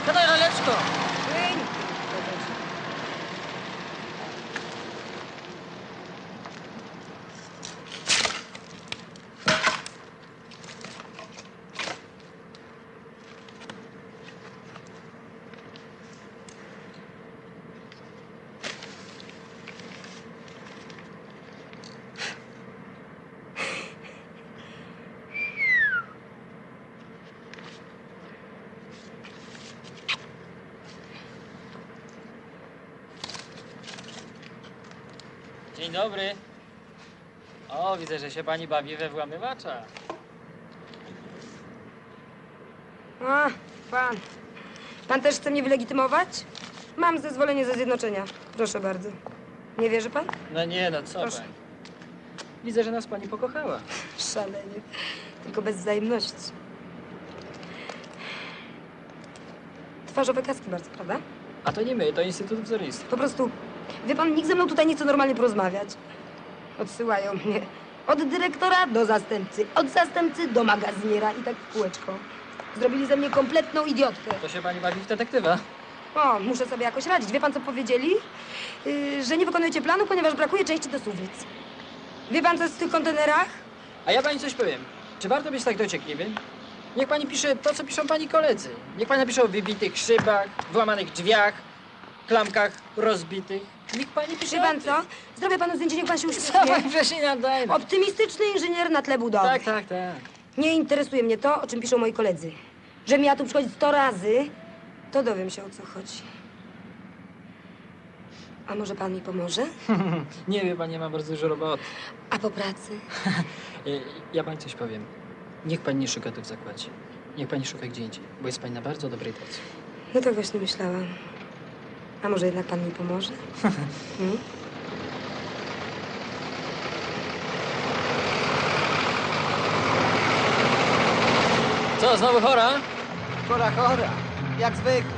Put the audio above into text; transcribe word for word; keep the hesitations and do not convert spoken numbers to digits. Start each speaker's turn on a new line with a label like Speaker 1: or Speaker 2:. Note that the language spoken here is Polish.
Speaker 1: Siadaj, laleczko!
Speaker 2: Płyń!
Speaker 1: Dzień dobry. O, widzę, że się pani bawi we włamywacza.
Speaker 2: A, pan. Pan też chce mnie wylegitymować? Mam zezwolenie ze zjednoczenia. Proszę bardzo. Nie wierzy pan?
Speaker 1: No nie, no co
Speaker 2: Proszę.
Speaker 1: pani? Widzę, że nas pani pokochała.
Speaker 2: Szalenie. Tylko bez wzajemności. Twarzowe kaski bardzo, prawda?
Speaker 1: A to nie my, to Instytut Wzornictwa.
Speaker 2: Po prostu, wie pan, nikt ze mną tutaj nie chce normalnie porozmawiać. Odsyłają mnie od dyrektora do zastępcy, od zastępcy do magazyniera i tak w kółeczko. Zrobili ze mnie kompletną idiotkę.
Speaker 1: To się pani bawi w detektywa.
Speaker 2: O, muszę sobie jakoś radzić. Wie pan, co powiedzieli? Yy, że nie wykonujecie planu, ponieważ brakuje części do suwnic. Wie pan, co jest w tych kontenerach?
Speaker 1: A ja pani coś powiem. Czy warto być tak dociekliwym? Niech pani pisze to, co piszą pani koledzy. Niech pani napisze o wybitych szybach, włamanych drzwiach, klamkach rozbitych. Niech pani pisze
Speaker 2: Wie
Speaker 1: o
Speaker 2: pan
Speaker 1: tym.
Speaker 2: co? Zrobię panu zdjęcie, niech pan się
Speaker 1: Co
Speaker 2: uśmiechnie.
Speaker 1: pani wcześniej nadaje?
Speaker 2: Optymistyczny inżynier na tle budowy.
Speaker 1: Tak, tak, tak.
Speaker 2: Nie interesuje mnie to, o czym piszą moi koledzy. Że miała tu przychodzić sto razy, to dowiem się, o co chodzi. A może pan mi pomoże?
Speaker 1: Nie wie pani, mam bardzo dużo roboty.
Speaker 2: A po pracy?
Speaker 1: Ja pani coś powiem. Niech pani nie szuka tu w zakładzie. Niech pani szuka gdzie indziej, bo jest pani na bardzo dobrej drodze.
Speaker 2: No to właśnie myślałam. A może jednak pan mi pomoże? Hmm?
Speaker 1: Co, znowu chora?
Speaker 3: Chora, chora. Jak zwykle.